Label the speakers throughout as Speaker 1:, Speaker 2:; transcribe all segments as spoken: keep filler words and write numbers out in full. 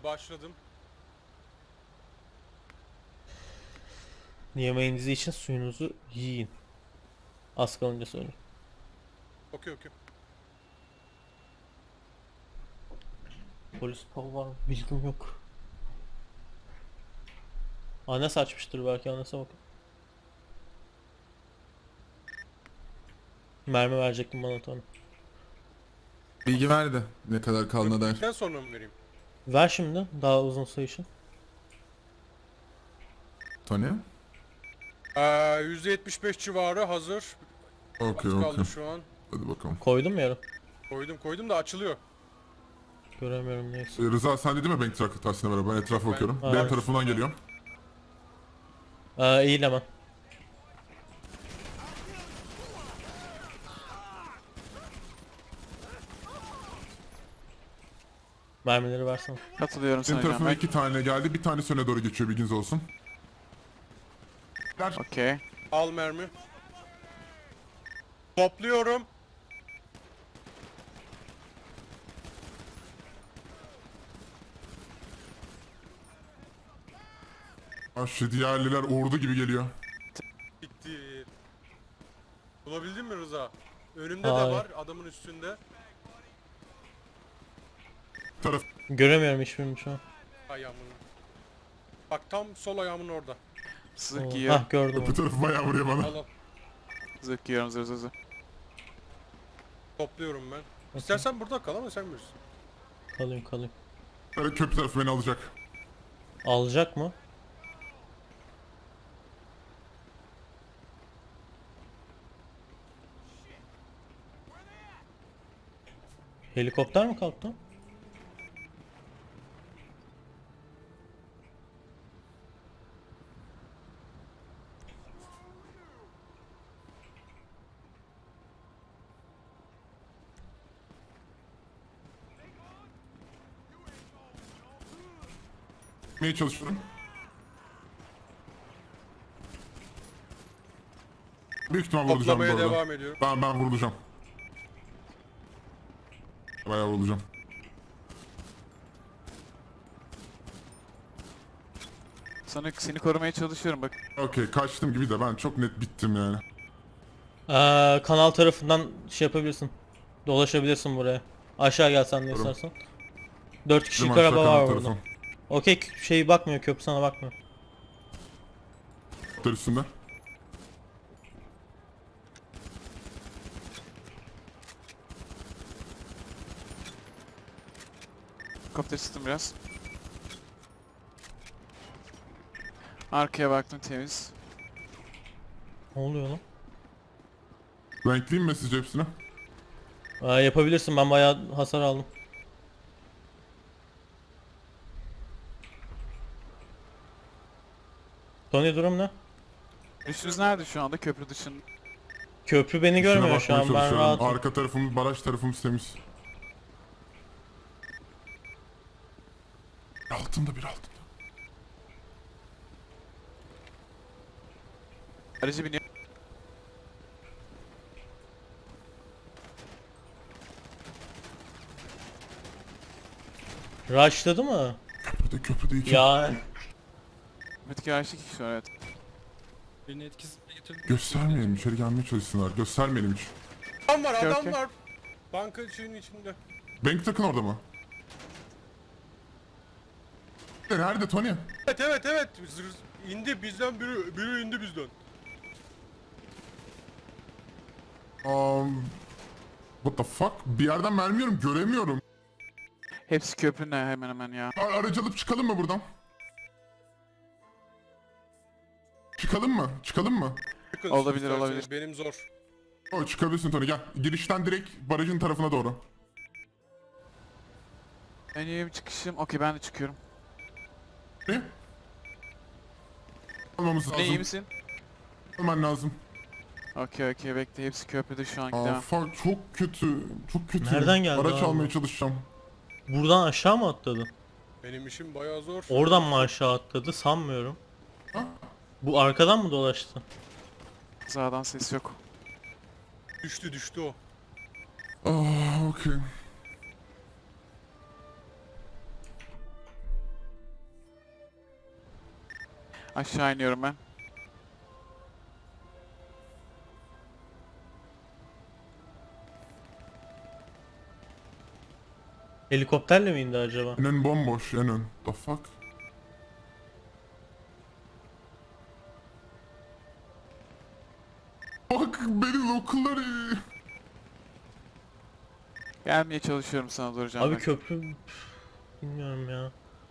Speaker 1: başladım.
Speaker 2: Yemeğinizi için suyunuzu yiyin. Az kalınca söyle.
Speaker 1: Okey okey.
Speaker 2: Polis pol var mı? Bilgim yok. Annesi açmıştır belki, annese bakın. Mermi verecektim bana Tony.
Speaker 3: Bilgi verdi ne kadar kaldığına dair.
Speaker 1: Döktükten sonra mı vereyim?
Speaker 2: Ver şimdi daha uzun süre için.
Speaker 3: Tony?
Speaker 1: Ee, yüzde yetmiş beş civarı hazır.
Speaker 3: Okey
Speaker 1: Az kaldı
Speaker 3: okey.
Speaker 1: şu an.
Speaker 3: Hadi bakalım.
Speaker 2: Koydum mu yarım?
Speaker 1: Koydum koydum da açılıyor.
Speaker 2: Göremiyorum neyse.
Speaker 3: Ee, Rıza sen dedin mi Bank Truck tahsine beraber? Ben etrafa
Speaker 1: Ben-
Speaker 3: bakıyorum.
Speaker 2: Ha,
Speaker 3: Benim
Speaker 2: evet.
Speaker 3: tarafımdan geliyor.
Speaker 2: Ee, eğil hemen. Mermileri versene.
Speaker 4: Katılıyorum
Speaker 3: Benim
Speaker 4: sana
Speaker 3: tarafıma
Speaker 4: Can
Speaker 3: iki tane geldi. Bir tanesi öne doğru geçiyor, bilginiz olsun. Der.
Speaker 4: Okey.
Speaker 1: Al mermi. Topluyorum.
Speaker 3: Ah, şu diğerliler ordu gibi geliyor.
Speaker 1: Bitti. Bulabildin mi Rıza? Önümde
Speaker 2: Hayır.
Speaker 1: de var adamın üstünde.
Speaker 3: Taraf.
Speaker 2: Göremiyorum hiçbirini şu an.
Speaker 1: Ayağımın. Bak tam sol ayağımın orada.
Speaker 4: Zırh
Speaker 2: Oo,
Speaker 4: giyiyorum.
Speaker 2: hah gördüm
Speaker 3: Bu
Speaker 2: onu.
Speaker 3: tarafı bayağı vuruyor bana.
Speaker 1: Al al.
Speaker 4: Zırh giyiyorum zırh zırh zırh.
Speaker 1: Topluyorum ben. İstersen burada kal ama sen bilirsin.
Speaker 2: Kalayım kalayım.
Speaker 3: Böyle köprü tarafı beni alacak.
Speaker 2: Alacak mı? Helikopter mi kalktı?
Speaker 3: Gitmeye çalışıyorum. Büyük ihtimal vurulacağım bu
Speaker 1: Toplamaya
Speaker 3: arada.
Speaker 1: devam ediyorum.
Speaker 3: Ben, ben vurulacağım. Bayağı vurulacağım.
Speaker 4: Sana seni korumaya çalışıyorum bak.
Speaker 3: Okey, kaçtım gibi de ben çok net bittim yani.
Speaker 2: Ee, kanal tarafından şey yapabilirsin. Dolaşabilirsin buraya. Aşağı gelsen de
Speaker 3: Tamam.
Speaker 2: istersen. Dört kişilik
Speaker 3: Bizim aşağı
Speaker 2: araba
Speaker 3: kanal
Speaker 2: var
Speaker 3: tarafı.
Speaker 2: burada. Okey, şey bakmıyor, köprü sana bakmıyor.
Speaker 3: Kaptar üstünde.
Speaker 4: Kopter sıktım biraz. Arkaya baktım temiz.
Speaker 2: Ne oluyor lan?
Speaker 3: Renkliyim mi sizce hepsine?
Speaker 2: Ee, yapabilirsin, ben bayağı hasar aldım. Tony durum ne?
Speaker 4: Üstünüz nerede şu anda köprü dışında?
Speaker 2: Köprü beni
Speaker 3: Üstüne
Speaker 2: görmüyor şu
Speaker 3: bakmaya
Speaker 2: an, ben
Speaker 3: çalışıyorum.
Speaker 2: rahatım.
Speaker 3: Arka tarafımız, baraj tarafımız temiz. Altında bir altında.
Speaker 4: Aracı biniyor.
Speaker 2: Rushladı mı?
Speaker 3: Köprüde köprüde iki.
Speaker 2: Ya
Speaker 4: Metik araçlı kişi var evet.
Speaker 5: Birini etkisiz getirdim.
Speaker 3: Göstermeyelim, içeri gelmeye çalışsınlar. Göstermeyelim hiç.
Speaker 1: Adam var
Speaker 4: Okey,
Speaker 1: adam
Speaker 4: okey.
Speaker 1: var. Banka şeyinin içinde.
Speaker 3: Bank takın orada mı? Nerede Tony?
Speaker 1: Evet evet evet. Zır- indi bizden biri, biri indi bizden.
Speaker 3: Um, what the fuck? Bir yerden mermi yiyorum, göremiyorum.
Speaker 4: Hepsi köprünün hemen hemen ya.
Speaker 3: A- Aracı alıp çıkalım mı buradan? Çıkalım mı? Çıkalım mı?
Speaker 1: Çıkın
Speaker 4: Olabilir,
Speaker 1: isterseniz,
Speaker 4: olabilir.
Speaker 1: Benim zor.
Speaker 3: O çıkabilirsin Tony, gel. Girişten direkt barajın tarafına doğru.
Speaker 4: En iyi bir çıkışım. Okey ben de çıkıyorum.
Speaker 3: Ne? Almamız
Speaker 4: Ne iyi
Speaker 3: lazım.
Speaker 4: misin?
Speaker 3: Alman lazım.
Speaker 4: Okey okey bekle hepsi köprüde şu an
Speaker 3: Aa,
Speaker 4: gidemem.
Speaker 3: fuck, çok kötü. Çok kötü.
Speaker 2: Nereden geldi
Speaker 3: Araç
Speaker 2: abi?
Speaker 3: almaya çalışacağım.
Speaker 2: buradan aşağı mı atladı?
Speaker 1: Benim işim bayağı zor.
Speaker 2: Oradan mı aşağı atladı sanmıyorum.
Speaker 3: Ha?
Speaker 2: Bu arkadan mı dolaştı?
Speaker 4: Sağdan ses yok.
Speaker 1: Düştü düştü o.
Speaker 3: Aa, okey.
Speaker 4: Aşağı iniyorum ben.
Speaker 2: Helikopterle mi indi acaba?
Speaker 3: En ön bomboş, en ön. The fuck? Bak beni lokalları.
Speaker 4: Gelmeye çalışıyorum sana doğru Canberk.
Speaker 2: Abi köprü... Üf, bilmiyorum ya.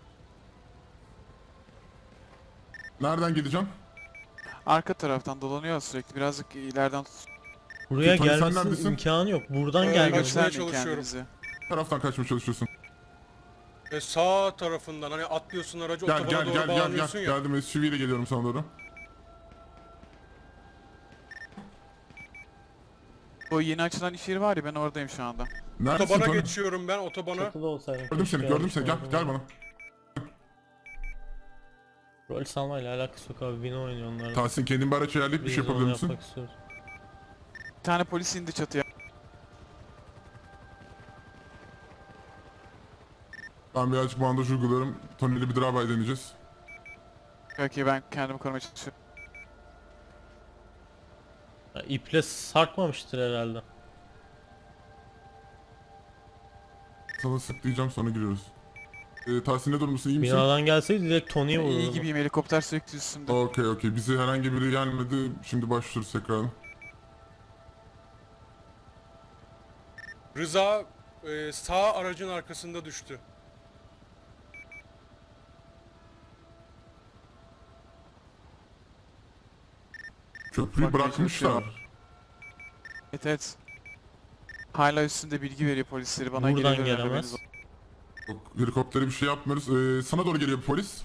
Speaker 3: Nereden gideceğim?
Speaker 4: Arka taraftan dolanıyor sürekli. Birazcık ileriden tut.
Speaker 2: Buraya
Speaker 3: Tony, sen
Speaker 2: gelmesinin
Speaker 3: neredesin?
Speaker 2: imkanı yok. Buradan
Speaker 1: Ee,
Speaker 2: gelmesi.
Speaker 1: kaçmaya
Speaker 4: Göstermeyin
Speaker 1: çalışıyorum.
Speaker 4: kendinizi.
Speaker 3: Taraftan kaçmaya çalışıyorsun.
Speaker 1: E, sağ tarafından hani atlıyorsun aracı
Speaker 3: Gel
Speaker 1: otobana
Speaker 3: gel
Speaker 1: doğru
Speaker 3: gel gel
Speaker 1: bağlanıyorsun
Speaker 3: gel.
Speaker 1: ya.
Speaker 3: Geldim S U V ile geliyorum sana doğru.
Speaker 4: O yeni açılan iş yeri var ya ben oradayım şu anda.
Speaker 3: Neredesin
Speaker 1: Otobana
Speaker 3: Tony?
Speaker 1: geçiyorum ben otobana.
Speaker 2: Çatıda olsaydım.
Speaker 3: Gördüm
Speaker 2: keşke
Speaker 3: seni gördüm seni gel
Speaker 2: yapmışlardım.
Speaker 3: gel bana.
Speaker 2: Rol salmayla alakası yok abi. Vino oynuyor onlar.
Speaker 3: Tahsin kendin bir araç ayarlayıp bir
Speaker 2: Biz
Speaker 3: şey
Speaker 2: de onu
Speaker 3: yapabilir misin?
Speaker 2: yapmak istiyoruz.
Speaker 4: Bir tane polis indi çatıya.
Speaker 3: Ben birazcık bandaj uyguluyorum. Tony ile bir drive-by deneyeceğiz.
Speaker 4: Okey ben kendimi korumaya çalışıyorum.
Speaker 2: Ya, iple sarkmamıştır herhalde.
Speaker 3: Sana sık diyeceğim sonra giriyoruz. Ee, Tahsin ne durumdasın iyi misin?
Speaker 2: Binadan gelseydi direkt Tony'ye
Speaker 4: İyi
Speaker 2: vururdu.
Speaker 4: gibiyim helikopter sürekli üstümde.
Speaker 3: Okey okey bize herhangi biri gelmedi. Şimdi başlıyoruz tekrar.
Speaker 1: Rıza e, sağ aracın arkasında düştü.
Speaker 3: Köprüyü
Speaker 4: Bak,
Speaker 3: bırakmışlar.
Speaker 4: Evet evet. Hala üstünde bilgi veriyor polisleri bana
Speaker 2: Buradan
Speaker 4: geliyorlar,
Speaker 2: gelemez.
Speaker 4: haberiniz olsun.
Speaker 3: Yok, helikoptere bir şey yapmıyoruz. Ee, sana doğru geliyor bir polis.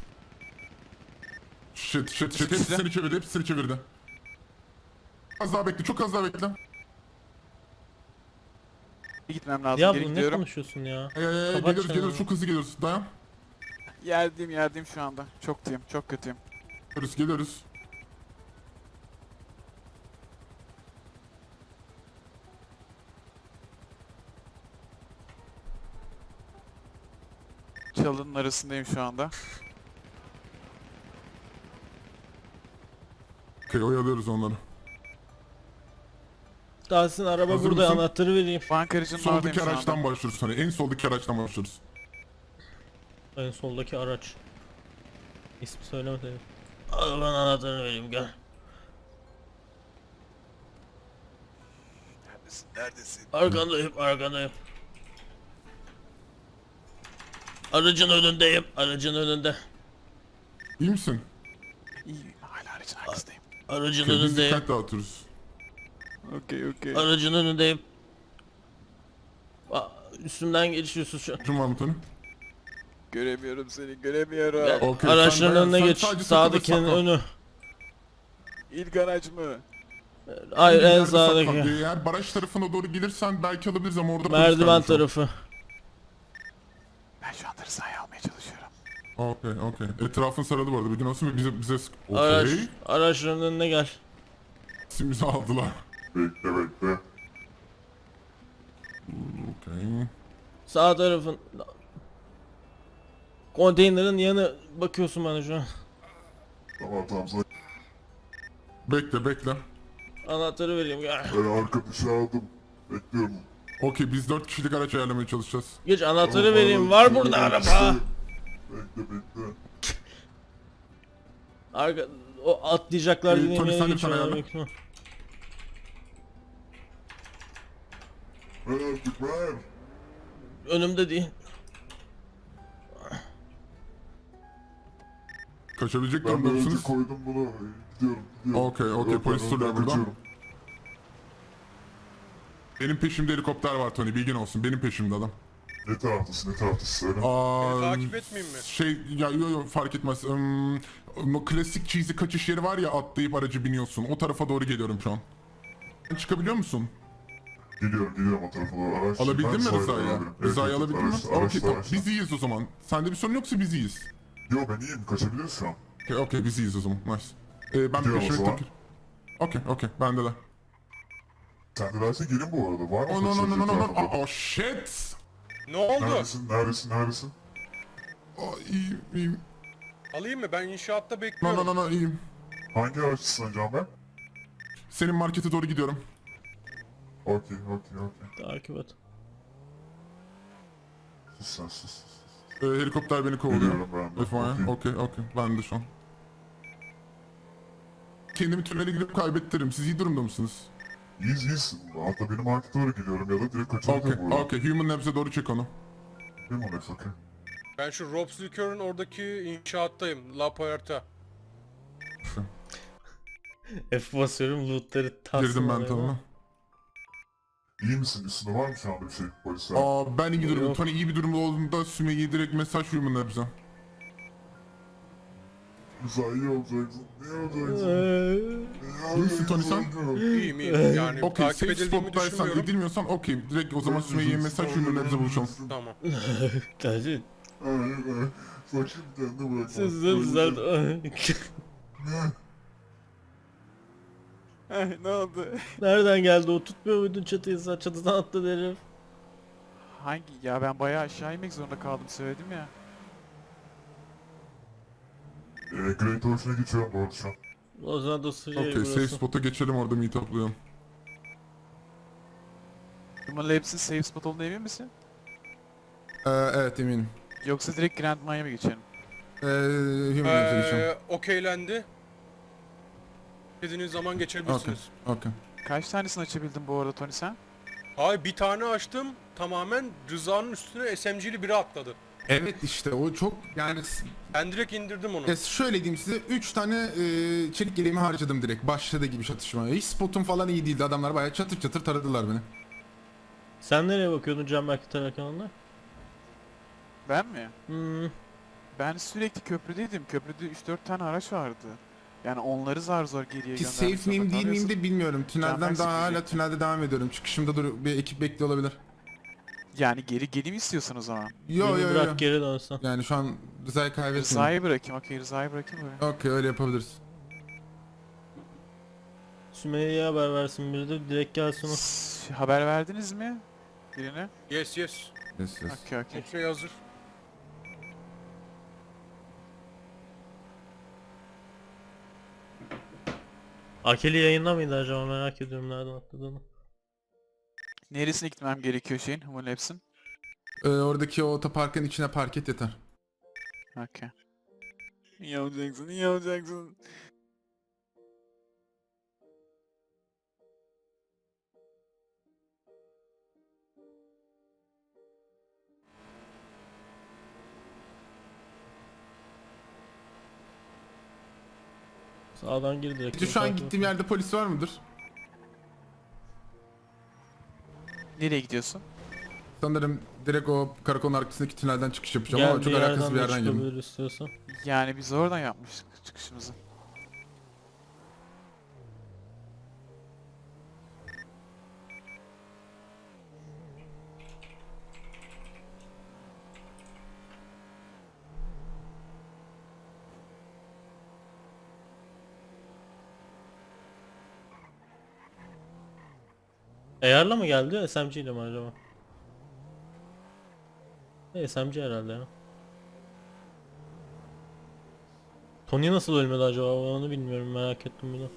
Speaker 3: Shit shit shit hepsi seni çevirdi hepsi seni çevirdi. Az daha bekle çok az daha bekle.
Speaker 4: Gitmem lazım
Speaker 2: Ya
Speaker 4: geri
Speaker 2: bu ne
Speaker 4: gidiyorum.
Speaker 2: konuşuyorsun ya?
Speaker 3: Ee,
Speaker 2: Kapat
Speaker 3: geliyoruz
Speaker 2: şunu.
Speaker 3: geliyoruz çok hızlı geliyoruz dayan.
Speaker 4: Yerdeyim yerdeyim şu anda. Çok diyeyim çok kötüyüm.
Speaker 3: Geliyoruz geliyoruz.
Speaker 4: Çalının arasındayım şu anda.
Speaker 3: Okey oyalıyoruz onları.
Speaker 2: Tahsin araba
Speaker 3: Hazır
Speaker 2: burada
Speaker 3: mısın?
Speaker 2: anahtarı vereyim.
Speaker 4: Bankacının oradayım
Speaker 3: Soldaki
Speaker 4: şu anda.
Speaker 3: araçtan başlıyoruz hani en soldaki araçtan başlıyoruz.
Speaker 2: En soldaki araç. İsmi söylemedim. Arabanın anahtarını vereyim gel.
Speaker 6: Neredesin? Neredesin?
Speaker 2: Arkandayım arkandayım. Aracın önündeyim. Aracın önünde.
Speaker 3: İyi misin?
Speaker 4: İyi hala aracın arkasındayım.
Speaker 2: Aracın
Speaker 3: Okey, biz
Speaker 2: önündeyim.
Speaker 3: dikkat dağıtıyoruz.
Speaker 4: Okey okey.
Speaker 2: Aracın önündeyim. Aa, üstümden geçiyorsun şu an.
Speaker 3: Kim var mı Tony?
Speaker 4: Göremiyorum seni göremiyorum.
Speaker 2: Gel,
Speaker 3: Okey,
Speaker 2: araçların
Speaker 3: sen dayan,
Speaker 2: önüne
Speaker 3: sen
Speaker 2: geç.
Speaker 3: sadece
Speaker 2: Sağdakinin
Speaker 3: saklan.
Speaker 2: önü.
Speaker 4: İlk araç mı?
Speaker 2: Hayır
Speaker 3: Bir
Speaker 2: en
Speaker 3: yerde saklan.
Speaker 2: sağdaki.
Speaker 3: Eğer baraj tarafına doğru gelirsen belki alabiliriz ama orada polis
Speaker 2: Merdiven
Speaker 3: kalmış o.
Speaker 2: tarafı.
Speaker 4: Ben şu anda Rıza'yı almaya çalışıyorum.
Speaker 3: Okey okey. Etrafın sarılı bu arada bilgin olsun ve bize bize sık.
Speaker 2: Araç,
Speaker 3: Okey.
Speaker 2: araçların önüne gel.
Speaker 3: Bizi aldılar.
Speaker 6: Bekle bekle.
Speaker 3: Okey.
Speaker 2: Sağ tarafın. Konteynerin yanı bakıyorsun bana şu an.
Speaker 6: Tamam tamam sana
Speaker 3: Bekle bekle.
Speaker 2: Anahtarı vereyim gel.
Speaker 6: ben arkadaşı aldım. Bekliyorum.
Speaker 3: Okey biz dört kişilik araç ayarlamaya çalışacağız.
Speaker 2: Geç anahtarı
Speaker 6: Tamam,
Speaker 2: vereyim.
Speaker 6: abi,
Speaker 2: Var
Speaker 6: tamam,
Speaker 2: burada
Speaker 6: ben
Speaker 2: araba.
Speaker 6: isterim. Bekle bekle.
Speaker 2: Arka o atlayacaklar
Speaker 3: Ee,
Speaker 2: dediğim
Speaker 3: Tony,
Speaker 2: yere
Speaker 3: sen de
Speaker 2: geçiyorlar
Speaker 3: sana
Speaker 2: büyük ihtimal.
Speaker 6: Ver artık ver.
Speaker 2: Önümde değil.
Speaker 3: Kaçabilecek
Speaker 6: Ben
Speaker 3: durumda
Speaker 6: de önce
Speaker 3: mısınız?
Speaker 6: koydum bunu. Gidiyorum gidiyorum.
Speaker 3: Okey, okey,
Speaker 6: Yok,
Speaker 3: polis
Speaker 6: ben
Speaker 3: duruyor
Speaker 6: önden
Speaker 3: burada.
Speaker 6: kaçıyorum.
Speaker 3: Benim peşimde helikopter var Tony bilgin olsun. Benim peşimde adam.
Speaker 6: Ne taraftasın ne taraftasın söyle.
Speaker 3: Aa,
Speaker 1: Beni takip etmeyeyim mi?
Speaker 3: Şey ya yo yo fark etmez. Hmm, o klasik cheesy kaçış yeri var ya atlayıp aracı biniyorsun. O tarafa doğru geliyorum şu an. Sen çıkabiliyor musun?
Speaker 6: Geliyorum geliyorum o tarafa doğru. Araç
Speaker 3: Alabildin
Speaker 6: ben
Speaker 3: mi
Speaker 6: sahip
Speaker 3: Rıza'yı?
Speaker 6: alabilirim.
Speaker 3: Rıza'yı
Speaker 6: Evet,
Speaker 3: alabildin mi?
Speaker 6: araç-
Speaker 3: Okey
Speaker 6: araçta,
Speaker 3: tamam.
Speaker 6: araçta.
Speaker 3: Biz iyiyiz o zaman. Sende bir sorun yoksa biz iyiyiz.
Speaker 6: Yo ben iyiyim kaçabiliriz şu an.
Speaker 3: Okey okey biz iyiyiz o zaman. Nice. Ee, ben
Speaker 6: Gidiyorum o
Speaker 3: peşime
Speaker 6: zaman.
Speaker 3: takip. Okey okey bende de.
Speaker 6: Sen de derse gelin bu arada. Var mı?
Speaker 3: Oh no no no no no no.
Speaker 6: etrafında?
Speaker 3: Oh, oh shit.
Speaker 1: Ne oldu?
Speaker 6: Neredesin neredesin neredesin?
Speaker 3: Oh, iyiyim iyiyim.
Speaker 1: Alayım mı? Ben inşaatta
Speaker 3: No
Speaker 1: bekliyorum.
Speaker 3: no no no iyiyim.
Speaker 6: Hangi araçsın Can ben?
Speaker 3: Senin markete doğru gidiyorum.
Speaker 6: Okey okey okey.
Speaker 2: Takip et.
Speaker 6: Sus sen sus. sus.
Speaker 3: Ee, helikopter beni kovalıyor.
Speaker 6: Biliyorum ben de.
Speaker 3: F Y I.
Speaker 6: Okey.
Speaker 3: Okey okey. Ben de şu an. Kendimi tünele girip kaybettiririm. Siz iyi durumda mısınız?
Speaker 6: İyiyiz iyisin. Hatta benim markete doğru gidiyorum ya da direkt
Speaker 3: Okey
Speaker 6: kaçabilirim buradan.
Speaker 3: okey. Human Labs'e doğru çek onu.
Speaker 6: Değil mi Alex okey.
Speaker 1: Ben şu Rob's Liquor'ın oradaki inşaattayım. La Puerta.
Speaker 2: F basıyorum lootları tas.
Speaker 3: Girdim ben tamam.
Speaker 6: İyi misin? Üstünde var mı şu anda bir şey polisler?
Speaker 3: Aa ben iyi durumda.
Speaker 2: Yok.
Speaker 3: Tony iyi bir durumda olduğunda Sümeyye'ye direkt mesaj Human Labs'e.
Speaker 6: Güzel iyi olacaksın. İyi olacaksın.
Speaker 2: Eee,
Speaker 3: İyi misin Tony sen?
Speaker 1: İyiyim iyiyim. Yani
Speaker 3: Okey
Speaker 1: takip
Speaker 3: safe
Speaker 1: edildiğimi
Speaker 3: spot'taysan
Speaker 1: düşünmüyorum.
Speaker 3: edilmiyorsan okey. Direkt o zaman Sümeyye'ye mesaj Human Labs'e buluşalım.
Speaker 1: Tamam.
Speaker 2: Hadi.
Speaker 6: Evet evet. Saçım kendine bırakma.
Speaker 2: Sizden güzel.
Speaker 4: ne oldu?
Speaker 2: Nereden geldi o? Tutmuyor muydun çatıyı sen? Çatıdan attı herif.
Speaker 4: Hangi? Ya ben bayağı aşağı inmek zorunda kaldım söyledim ya.
Speaker 6: Ee, Great Ocean'a geçiyorum bu arada şu an.
Speaker 2: O zaman da sıcak
Speaker 3: Okey safe
Speaker 2: burası.
Speaker 3: spot'a geçelim orada meetuplayalım.
Speaker 4: Human Labs'in safe spot olduğuna emin misin?
Speaker 3: Ee, evet eminim.
Speaker 4: Yoksa direkt Grand Miami'ye mi geçelim?
Speaker 3: Ee, Human Labs'e geçelim.
Speaker 1: Ee, okeylendi. İstediğiniz zaman
Speaker 3: Okey
Speaker 1: geçebilirsiniz.
Speaker 3: okey.
Speaker 4: Kaç tanesini açabildin bu arada Tony sen?
Speaker 1: Hayır bir tane açtım. Tamamen Rıza'nın üstüne S M G'li biri atladı.
Speaker 3: Evet işte o çok yani
Speaker 1: Ben direkt indirdim onu.
Speaker 3: ya şöyle diyeyim size üç tane e, çelik yeleğimi harcadım direkt başladı gibi çatışmaya. Hiç spotum falan iyi değildi adamlar bayağı çatır çatır taradılar beni.
Speaker 2: Sen nereye bakıyordun Can Berk'i tararken onunla?
Speaker 4: Ben mi?
Speaker 2: Hmm.
Speaker 4: Ben sürekli köprüdeydim. Köprüde üç dört tane araç vardı. Yani onları zar zor geriye
Speaker 3: Ki
Speaker 4: göndermek
Speaker 3: safe miyim
Speaker 4: zorunda
Speaker 3: değil miyim
Speaker 4: kalıyorsun.
Speaker 3: de bilmiyorum. Tünelden
Speaker 4: Canberk
Speaker 3: daha hala
Speaker 4: sıkılecek.
Speaker 3: tünelde devam ediyorum. Çıkışımda dur bir ekip bekliyor olabilir.
Speaker 4: Yani geri geleyim istiyorsan o zaman.
Speaker 3: Yo
Speaker 2: Beni
Speaker 3: yo
Speaker 2: bırak
Speaker 3: yo.
Speaker 2: geri dönsen.
Speaker 3: Yani şu an Rıza'yı kaybetmiyorum.
Speaker 4: Rıza'yı bırakayım. Okey Rıza'yı bırakayım böyle.
Speaker 3: Okey öyle yapabiliriz.
Speaker 2: Sümeyye'ye haber versin biri de direkt gelsin o.
Speaker 4: S- Haber verdiniz mi? Birine?
Speaker 1: Yes yes.
Speaker 3: Yes, yes.
Speaker 4: Okey okey.
Speaker 1: Her şey hazır.
Speaker 2: Akeli yayında mıydı acaba merak ediyorum nereden atladığını.
Speaker 4: Neresine gitmem gerekiyor şeyin? Human Labs'in?
Speaker 3: Ee, oradaki o otoparkın içine park et yeter.
Speaker 4: Okey. İyi olacaksın, iyi olacaksın.
Speaker 2: Sağdan gir direkt.
Speaker 3: Peki şu an gittiğim yerde polis var mıdır?
Speaker 4: Nereye gidiyorsun?
Speaker 3: Sanırım direkt o karakolun arkasındaki tünelden çıkış yapacağım
Speaker 2: Gel
Speaker 3: ama çok alakasız bir
Speaker 2: de
Speaker 3: yerden geldim.
Speaker 2: çıkabilir istiyorsan.
Speaker 4: Yani biz oradan yapmıştık çıkışımızı.
Speaker 2: A R'la mı geldi S M G ile mi acaba? E, S M G herhalde ya. Tony nasıl ölmedi acaba ben onu bilmiyorum merak ettim bunu.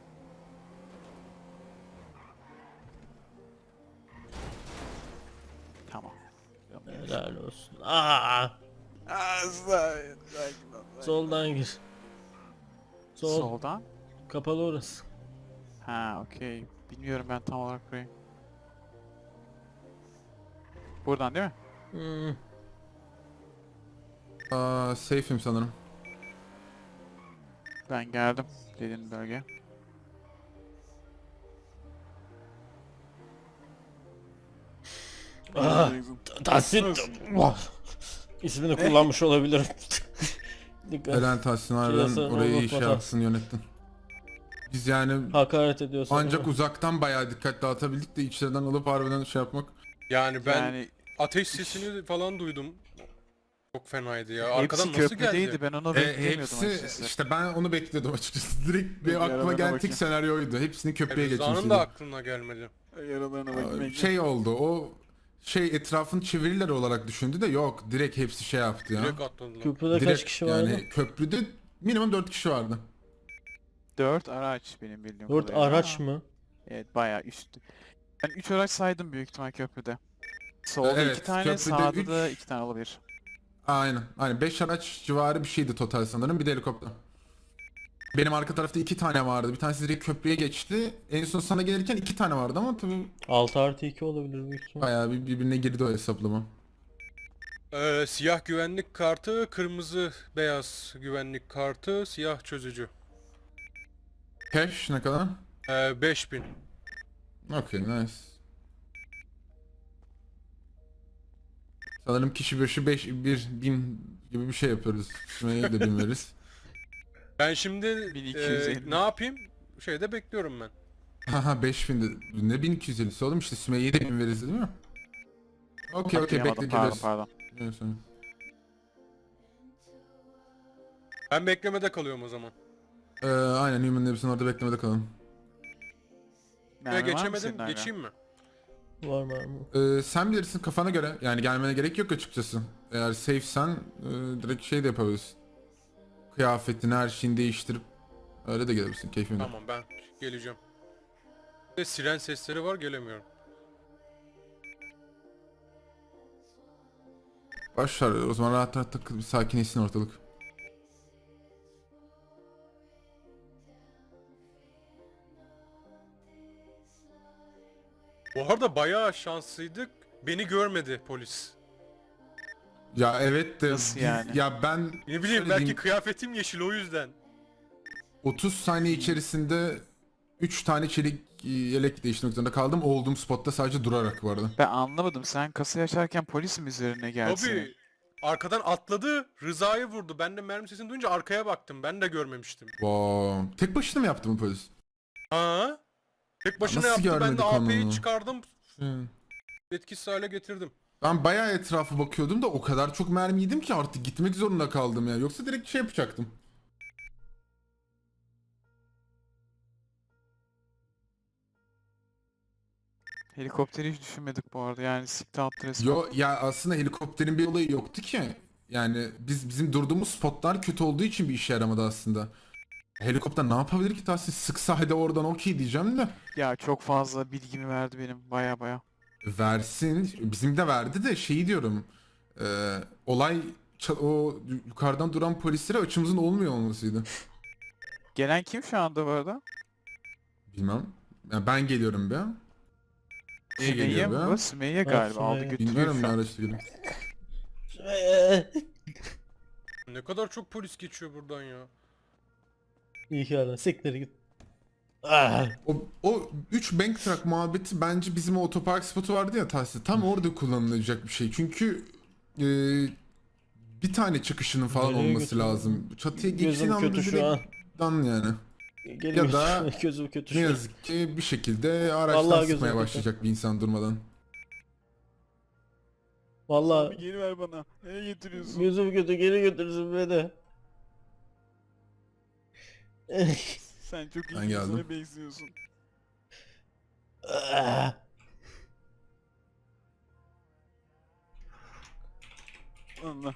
Speaker 4: Tamam.
Speaker 2: Helal olsun. Aa! Soldan gir. Sol.
Speaker 4: Soldan?
Speaker 2: Kapalı orası.
Speaker 4: Ha okey. Bilmiyorum ben tam olarak burayı. Buradan değil mi?
Speaker 2: Hmm.
Speaker 3: Aa, safe'im sanırım.
Speaker 4: Ben geldim dediğin bölge.
Speaker 2: Ah! Tahsin. İsmini kullanmış olabilirim. Dikkat.
Speaker 3: Helal Tahsin harbiden
Speaker 2: Şurası
Speaker 3: orayı iyi
Speaker 2: unutma
Speaker 3: şey
Speaker 2: da.
Speaker 3: yapsın yönettin. Biz yani
Speaker 2: Hakaret ediyorsun.
Speaker 3: ancak uzaktan bayağı dikkat dağıtabildik de içeriden alıp harbiden şey yapmak.
Speaker 1: Yani ben
Speaker 4: Yani
Speaker 1: ateş sesini falan duydum. Çok fenaydı ya.
Speaker 4: hepsi
Speaker 1: Arkadan nasıl
Speaker 4: köprüdeydi
Speaker 1: geldi?
Speaker 4: ben onu
Speaker 3: E,
Speaker 4: beklemiyordum
Speaker 3: hepsi
Speaker 4: açıkçası.
Speaker 3: işte ben onu bekliyordum açıkçası. Direkt bir
Speaker 4: Dur,
Speaker 3: aklıma
Speaker 4: yaralarına
Speaker 3: gelen tek
Speaker 4: bakayım.
Speaker 3: senaryoydu. Hepsini köprüye
Speaker 1: Rıza'nın
Speaker 3: geçmiştim.
Speaker 1: da aklına gelmedi.
Speaker 4: Yaralarına
Speaker 3: Şey oldu o şey etrafını çevirirler olarak düşündü de yok. Direkt hepsi şey yaptı ya.
Speaker 1: Direkt atladılar.
Speaker 2: Köprüde kaç
Speaker 3: Direkt
Speaker 2: kişi vardı?
Speaker 3: yani köprüde minimum dört kişi vardı.
Speaker 4: Dört araç benim bildiğim
Speaker 2: Dört
Speaker 4: kadarıyla.
Speaker 2: araç
Speaker 4: Aa,
Speaker 2: mı?
Speaker 4: Evet bayağı üst. Ben üç araç saydım büyük ihtimal köprüde. Solda
Speaker 3: Evet,
Speaker 4: iki tane,
Speaker 3: köprüde
Speaker 4: sağda
Speaker 3: üç.
Speaker 4: da iki tane olabilir.
Speaker 3: Aynen. Aynen. beş araç civarı bir şeydi total sanırım. Bir de helikopter. Benim arka tarafta iki tane vardı. Bir tanesi direkt köprüye geçti. En son sana gelirken iki tane vardı ama tabii
Speaker 2: altı artı iki olabilir büyük ihtimal.
Speaker 3: bayağı bir birbirine girdi o hesaplama.
Speaker 1: Ee, siyah güvenlik kartı, kırmızı beyaz güvenlik kartı, siyah çözücü.
Speaker 3: Cash ne kadar?
Speaker 1: Ee, beş bin.
Speaker 3: Okay, nice. Sanırım kişi başı beş, bir bin gibi bir şey yapıyoruz. Şuraya da bin veririz.
Speaker 1: Ben şimdi
Speaker 4: bin iki
Speaker 1: e,
Speaker 4: yüz elli.
Speaker 1: ne yapayım? Şeyde bekliyorum ben.
Speaker 3: Haha beş bin de ne bin iki yüz ellisi oğlum işte Sümeyye'ye de bin veririz değil mi? Okey okey
Speaker 4: Hatırlayamadım,
Speaker 3: bekle
Speaker 4: pardon
Speaker 3: geliyoruz.
Speaker 4: pardon.
Speaker 3: Evet, sonra.
Speaker 1: Ben beklemede kalıyorum o zaman.
Speaker 3: Ee, aynen Human Labs'ın orada beklemede kalalım.
Speaker 1: Ve
Speaker 4: Mermi var mı
Speaker 1: geçemedim.
Speaker 4: senin hala?
Speaker 1: Geçeyim mi?
Speaker 2: Var mı var mı?
Speaker 3: Ee, sen bilirsin kafana göre. Yani gelmene gerek yok açıkçası. Eğer safe'sen e, direkt şey de yapabilirsin. Kıyafetini her şeyini değiştirip öyle de gelebilirsin keyfine.
Speaker 1: Tamam ben geleceğim. Ve siren sesleri var gelemiyorum.
Speaker 3: Başlar o zaman rahat rahat takıl bir sakinleşsin ortalık.
Speaker 1: Bu arada bayağı şanslıydık. Beni görmedi polis.
Speaker 3: Ya evet de
Speaker 4: Nasıl
Speaker 3: biz-
Speaker 4: yani?
Speaker 3: ya ben
Speaker 1: Ne bileyim
Speaker 3: şöyle
Speaker 1: belki
Speaker 3: diyeyim,
Speaker 1: kıyafetim yeşil o yüzden.
Speaker 3: otuz saniye içerisinde üç tane çelik e, yelek değiştirmek zorunda kaldım. Olduğum spotta sadece durarak bu arada.
Speaker 4: Ben anlamadım. Sen kasayı açarken polis mi üzerine geldi senin?
Speaker 1: Tabii. Arkadan atladı, Rıza'yı vurdu. Ben de mermi sesini duyunca arkaya baktım. Ben de görmemiştim.
Speaker 3: Wow. Tek başına mı yaptı bu polis?
Speaker 1: Ha? Tek başına
Speaker 3: Nasıl
Speaker 1: yaptı. Ben
Speaker 3: görmedik
Speaker 1: de A P'yi
Speaker 3: onu?
Speaker 1: çıkardım.
Speaker 3: Hı.
Speaker 1: Etkisiz hale getirdim.
Speaker 3: Ben bayağı etrafa bakıyordum da o kadar çok mermi yedim ki artık gitmek zorunda kaldım ya. Yoksa direkt şey yapacaktım.
Speaker 4: Helikopteri hiç düşünmedik bu arada. Yani sikti attı resmen.
Speaker 3: Yo ya aslında helikopterin bir olayı yoktu ki. Yani biz bizim durduğumuz spotlar kötü olduğu için bir işe yaramadı aslında. Helikopter ne yapabilir ki Tahsin? Sıksa hadi oradan okey diyeceğim de.
Speaker 4: Ya çok fazla bilgimi verdi benim. Baya baya.
Speaker 3: Versin. Bizim de verdi de şeyi diyorum. E, olay ça- o yukarıdan duran polislere açımızın olmuyor olmasıydı.
Speaker 4: Gelen kim şu anda bu arada?
Speaker 3: Bilmem. Yani ben geliyorum be. Niye
Speaker 4: Sümeyye
Speaker 3: geliyor
Speaker 4: mi
Speaker 3: be?
Speaker 4: bu? Sümeyye galiba. Aldı
Speaker 2: Sümeyye.
Speaker 4: götürüyor
Speaker 3: Bilmiyorum
Speaker 4: şu
Speaker 3: ne
Speaker 4: an.
Speaker 3: araçta geliyor.
Speaker 1: Ne kadar çok polis geçiyor buradan ya.
Speaker 2: İyi ki aradın. Siktir git. Ah.
Speaker 3: O, o üç bank truck muhabbeti bence bizim o otopark spotu vardı ya Tahsin. Tam orada kullanılacak bir şey. Çünkü e, bir tane çıkışının falan
Speaker 2: Nereye
Speaker 3: olması
Speaker 2: götürüyor?
Speaker 3: lazım. Çatıya geçtiğin
Speaker 2: Gözüm
Speaker 3: anda
Speaker 2: kötü şu an.
Speaker 3: direkt dan yani.
Speaker 2: Geliyor.
Speaker 3: Ya da
Speaker 2: Gözüm kötü
Speaker 3: Ne
Speaker 2: şu an.
Speaker 3: yazık ki bir şekilde araçtan
Speaker 2: Vallahi gözüm
Speaker 3: sıkmaya
Speaker 2: kötü.
Speaker 3: başlayacak bir insan durmadan.
Speaker 2: Vallahi
Speaker 4: Geri ver bana. Nereye getiriyorsun?
Speaker 2: gözüm kötü, geri götürsün beni.
Speaker 4: Sen çok iyi
Speaker 3: Ben geldim.
Speaker 4: birisine benziyorsun.
Speaker 2: Ah.
Speaker 4: Allah.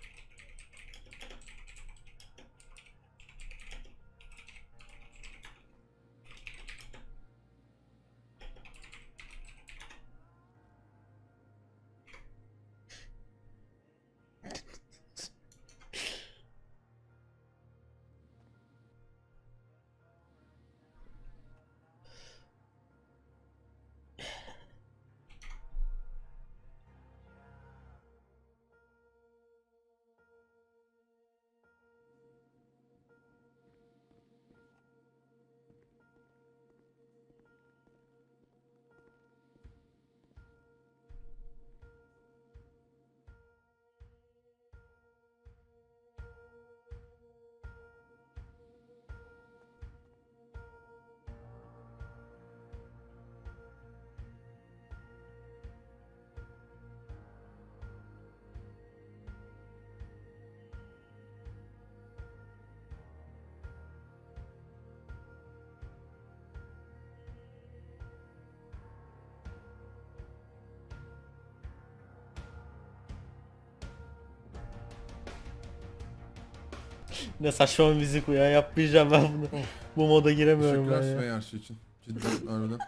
Speaker 2: Ne saçma bir müzik bu ya, yapmayacağım ben bunu. Bu moda giremiyorum ben
Speaker 3: Teşekkürler
Speaker 2: ya.
Speaker 3: Sümeyye her şey için. Cidden harbiden.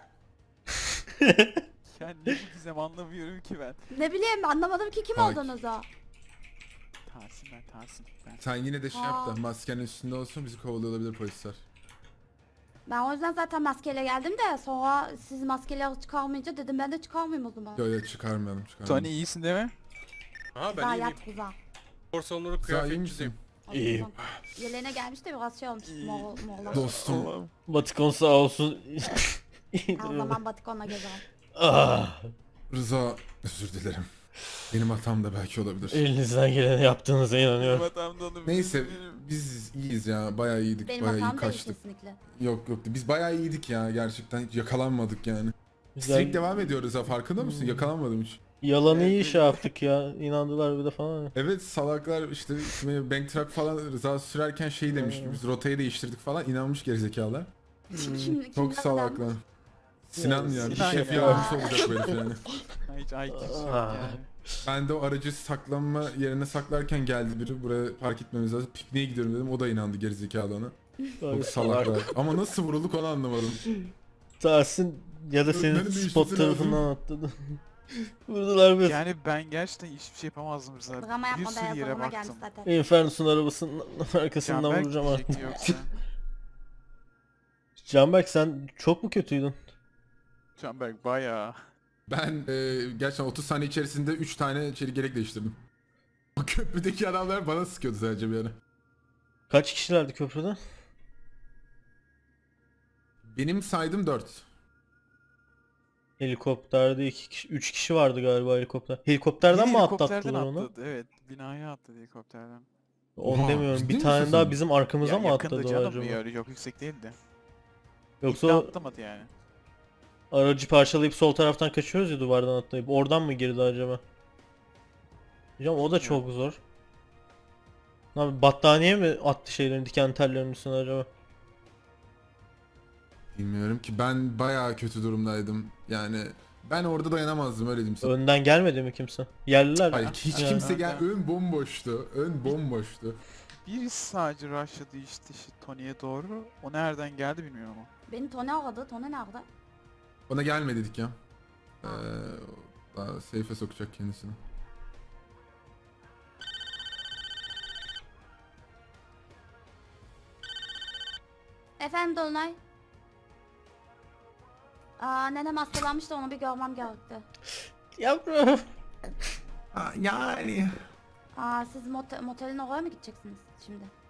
Speaker 4: Yani ne bu gizem anlamıyorum ki ben.
Speaker 7: Ne bileyim anlamadım ki kim
Speaker 3: Ay.
Speaker 7: olduğunuzu.
Speaker 4: Tahsin ben Tahsin. Ben.
Speaker 3: Sen yine de şey yap da
Speaker 7: Aa.
Speaker 3: maskenin üstünde olsun bizi kovalıyor olabilir polisler.
Speaker 7: Ben o yüzden zaten maskeyle geldim de sonra siz maskeyle çıkarmayınca dedim ben de çıkarmayayım o zaman.
Speaker 3: Yo yo çıkarmayalım çıkarmayalım.
Speaker 4: Tony iyisin değil mi?
Speaker 1: Ha ben
Speaker 7: Güzel
Speaker 1: iyiyim.
Speaker 7: yat kuza.
Speaker 1: Korsanları
Speaker 3: Sen iyi
Speaker 1: kıyafetçisiyim.
Speaker 3: misin?
Speaker 2: İyiyim.
Speaker 7: Yeleğine gelmiş de biraz şey olmuş. Moğol, Moğollar.
Speaker 3: Dostum.
Speaker 2: Batikon sağ olsun.
Speaker 7: Her zaman Batikon'la gezerim.
Speaker 2: Ah,
Speaker 3: Rıza özür dilerim. Benim hatam da belki olabilir.
Speaker 2: elinizden geleni yaptığınıza inanıyorum.
Speaker 4: Hatamda onu
Speaker 3: Neyse
Speaker 4: bilmiyorum.
Speaker 3: biz iyiyiz ya bayağı iyiydik
Speaker 7: Benim
Speaker 3: bayağı iyi
Speaker 7: hatam değil
Speaker 3: kaçtık.
Speaker 7: kesinlikle.
Speaker 3: Yok yok biz bayağı iyiydik ya gerçekten hiç yakalanmadık yani.
Speaker 2: Güzel.
Speaker 3: Streak devam ediyoruz ha farkında mısın? Yakalanmadım hiç.
Speaker 2: Yalanı iyi şey yaptık ya. İnandılar bir de falan.
Speaker 3: Evet salaklar işte bank truck falan Rıza sürerken şey demiş ki biz rotayı değiştirdik falan inanmış gerizekalılar.
Speaker 7: Şimdi, şimdi
Speaker 3: Çok
Speaker 7: ne kadar-
Speaker 3: salaklar. Sinan ya bir
Speaker 4: Sinan
Speaker 3: şef
Speaker 4: ya.
Speaker 3: yardımcısı olacak bu herif yani.
Speaker 4: Ha, hiç I Q'su yok
Speaker 2: Ah.
Speaker 4: yani.
Speaker 3: Ben de o aracı saklanma yerine saklarken geldi biri buraya park etmemiz lazım. Pikniğe gidiyorum dedim o da inandı gerizekalı ona. Çok salaklar. Ama nasıl vurulduk onu anlamadım.
Speaker 2: Tahsin ya da senin
Speaker 3: Benim de
Speaker 2: spot
Speaker 3: işlesi
Speaker 2: tarafından atladı. Vurdular biz.
Speaker 4: Yani ben gerçekten hiçbir şey yapamazdım Rıza.
Speaker 7: Drama
Speaker 4: Bir
Speaker 7: yapma
Speaker 4: sürü
Speaker 7: da
Speaker 4: yere
Speaker 7: yazılımına gelmiş
Speaker 4: baktım.
Speaker 7: zaten.
Speaker 2: Infernus'un arabasının arkasından
Speaker 4: Canberk
Speaker 2: vuracağım artık.
Speaker 4: diyecekti yoksa.
Speaker 2: Canberk sen çok mu kötüydün?
Speaker 4: Canberk bayağı.
Speaker 3: Ben e, gerçekten otuz saniye içerisinde üç tane çelik yelek değiştirdim. O köprüdeki adamlar bana sıkıyordu sadece bir ara.
Speaker 2: Kaç kişilerdi köprüde?
Speaker 3: Benim saydım dört.
Speaker 2: Helikopterde iki kişi, üç kişi vardı galiba helikopter. Helikopterden
Speaker 4: Biri
Speaker 2: mi
Speaker 4: helikopterden
Speaker 2: atlattılar onu?
Speaker 4: atladı, evet. Binaya atladı helikopterden.
Speaker 2: Onu
Speaker 3: Oha,
Speaker 2: demiyorum.
Speaker 3: ciddi
Speaker 2: Bir
Speaker 3: misin
Speaker 2: tane
Speaker 3: sen?
Speaker 2: daha bizim arkamıza
Speaker 4: Ya
Speaker 2: mı
Speaker 4: yakındı
Speaker 2: atladı o
Speaker 4: canım
Speaker 2: acaba?
Speaker 4: ya, çok yüksek değildi.
Speaker 2: Yoksa
Speaker 4: İlk de
Speaker 2: o
Speaker 4: atlamadı yani.
Speaker 2: aracı parçalayıp sol taraftan kaçıyoruz ya duvardan atlayıp. Oradan mı girdi acaba? Hocam o da çok zor. Abi battaniye mi attı şeylerin diken tellerinin üstüne acaba?
Speaker 3: Bilmiyorum ki ben bayağı kötü durumdaydım. Yani ben orada dayanamazdım öyle diyeyim sana.
Speaker 2: Önden gelmedi mi kimse? Yerliler.
Speaker 3: Hayır hiç
Speaker 2: Ya.
Speaker 3: kimse gel
Speaker 4: Nereden?
Speaker 3: ön bomboştu. Ön bomboştu.
Speaker 4: Birisi sadece rushladı işte, işte Tony'ye doğru. O nereden geldi bilmiyorum ama.
Speaker 7: Beni Tony aradı. Tony nerede?
Speaker 3: Ona gelme dedik ya. Ee, daha safe'e sokacak kendisini.
Speaker 7: Efendim Dolunay. Aa nenem hastalanmış da onu bir görmem gerekti.
Speaker 2: Yavrum.
Speaker 3: yani.
Speaker 7: Aa siz mote motelin oraya mı gideceksiniz şimdi?